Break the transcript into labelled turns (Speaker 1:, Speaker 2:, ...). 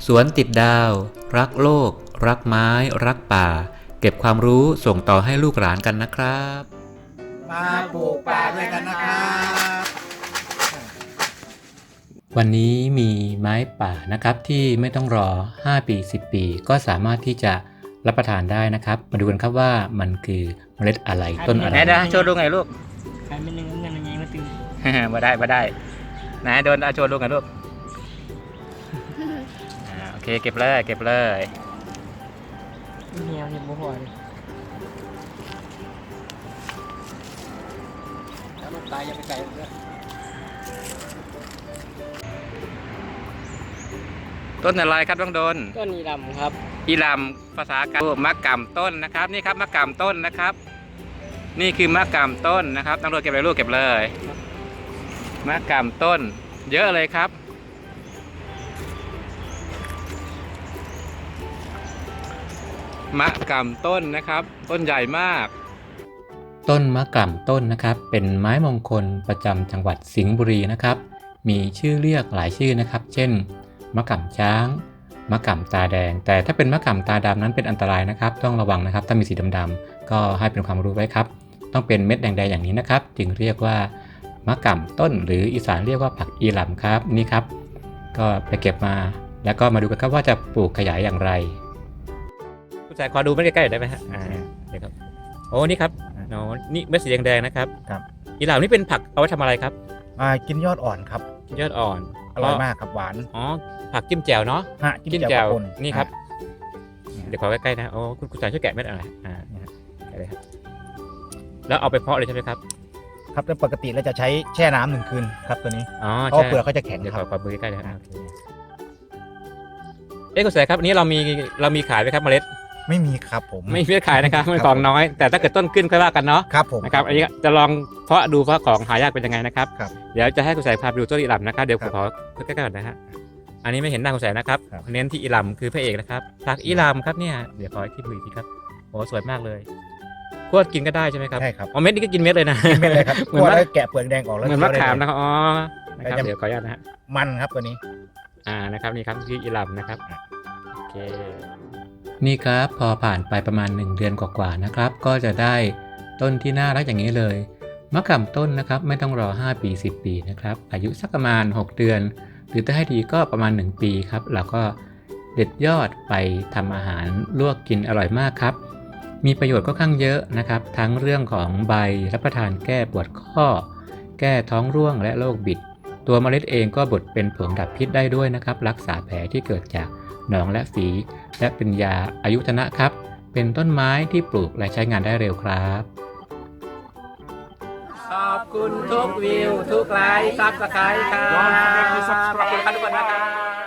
Speaker 1: สวนติดดาวรักโลกรักไม้รักป่าเก็บความรู้ส่งต่อให้ลูกหลานกันนะครับ
Speaker 2: มาปลูกป่าด้วยกันนะครับ
Speaker 1: วันนี้มีไม้ป่านะครับที่ไม่ต้องรอ5ปี10ปีก็สามารถที่จะรับประทานได้นะครับมาดูกันครับว่ามันคือเมล็ดอะไรต้นอะไร
Speaker 3: ไหนโชว์ลูกไงลูก
Speaker 4: ขายเป็นหนึ่งเงินยังไงมาตึง
Speaker 3: มาได้ไหนโดนโชว์ลูกไงลูกโอเคเก็บเลย
Speaker 4: เหี่ยวเห็นบ่พอเลย
Speaker 2: แล้วลูกตายอย่าไปไกลเลย
Speaker 3: ต้นอะไรครับต้องโดน
Speaker 4: ต้นอีลำครับ
Speaker 3: อีลำภาษากลางมะกำต้นนะครับนี่ครับมะกำต้นนะครับ นี่คือมะกำต้นนะครับต้องโดนเก็บเลยลูกเก็บเลยมะกำต้นเยอะเลยครับมะกำต้นนะครับต้นใหญ่มาก
Speaker 1: ต้นมะกร่ำต้นนะครับเป็นไม้มงคลประจำจังหวัดสิงห์บุรีนะครับมีชื่อเรียกหลายชื่อนะครับเช่นมะกร่ำช้างมะกร่ำตาแดงแต่ถ้าเป็นมะกร่ำตาดำนั้นเป็นอันตรายนะครับต้องระวังนะครับถ้ามีสีดำๆก็ให้เป็นความรู้ไว้ครับต้องเป็นเม็ดแดงๆอย่างนี้นะครับจึงเรียกว่ามะกร่ำต้นหรืออีสานเรียกว่าผักอีหล่ำครับนี่ครับก็ไปเก็บมาแล้วก็มาดูกันครับว่าจะปลูกขยายอย่างไรผู้ชายขอดูเม็ดใกล้ๆได้ไหมฮะเดี๋ยวครับโอ้นี่ครับนี่เม็ดสีแดงๆนะครับ
Speaker 2: ครับ
Speaker 1: อีหล่ำนี่เป็นผักเอาไว้ทำอะไรครับ
Speaker 2: กินยอดอ่อนครับ
Speaker 1: ยอดอ่อน
Speaker 2: อร่อยมากครับหวาน
Speaker 1: อ๋อผักจิ้มแจ่วเนาะ
Speaker 2: จิ้มแจ่ว
Speaker 1: นี่ครับเดี๋ยวขอใกล้ๆนะโอ้คุณชายช่วยแกะเม็ดอะไรแกะเลยครับแล้วเอาไปเพาะเลยใช่ไหมครับ
Speaker 2: ครับแต่ปกติเราจะใช้แช่น้ำ1 คืนครับตัวนี้เพราะเปลือกเขาจะแข็ง
Speaker 1: เดี๋ยว
Speaker 2: ครับ
Speaker 1: ขอมือใกล้ๆนะครับคุณชายครับอันนี้เรามีขายไหมครับเมล็ด
Speaker 2: ไม่มีครับผม
Speaker 1: ไม่มีขายนะครับมันของน้อยแต่ถ้าเกิดต้นขึ้นค่อยว่ากันเนาะ
Speaker 2: ครับผม
Speaker 1: นะครับอันนี้จะลองเพาะดูเพราะของหายากเป็นยังไงนะครับ
Speaker 2: ครับ
Speaker 1: เดี๋ยวจะให้คุณชายพาไปดูต้นอีหล่ำนะครับเดี๋ยวผมขอใกล้ๆก่อนนะฮะอันนี้ไม่เห็นหน้าคุณชายนะครับเน้นที่อีหล่ำคือพระเอกนะครับผักอีหล่ำครับเนี่ยเดี๋ยวขอที่มือทีครับโอ้สวยมากเลยคั่วกินก็ได้ใช่ไหมครับ
Speaker 2: ใช่ครับ
Speaker 1: อ๋อเม็ดนี้ก็กินเม็ดเลยนะ
Speaker 2: กินเม็ดเลยครับคั่วแล้วแกะเปลือกแดงออกแล้ว
Speaker 1: เหมือนมะขามนะครับอ๋อนะครับเดี๋ยวขออนุญาตนะฮะ
Speaker 2: มันครับตัวนี้
Speaker 1: นะครับนี่ครับคืออีหล่ำนะครับโอเคนี่ครับพอผ่านไปประมาณ1 เดือนกว่าๆนะครับก็จะได้ต้นที่น่ารักอย่างนี้เลยมะขามต้นนะครับไม่ต้องรอ5ปี10ปีนะครับอายุสักประมาณ6 เดือนหรือถ้าให้ดีก็ประมาณ1 ปีครับเราก็เด็ดยอดไปทำอาหารลวกกินอร่อยมากครับมีประโยชน์ค่อนข้างเยอะนะครับทั้งเรื่องของใบรับประทานแก้ปวดข้อแก้ท้องร่วงและโรคบิดตัวเมล็ดเองก็บดเป็นผงดับพิษได้ด้วยนะครับรักษาแผลที่เกิดจากหนองและฝีและเป็นยาอายุทนะครับเป็นต้นไม้ที่ปลูกและใช้งานได้เร็วครับ
Speaker 3: ขอบคุณทุกวิวทุกไลค์ซับสไครต์ครับขอบคุณทุกคนนะครับ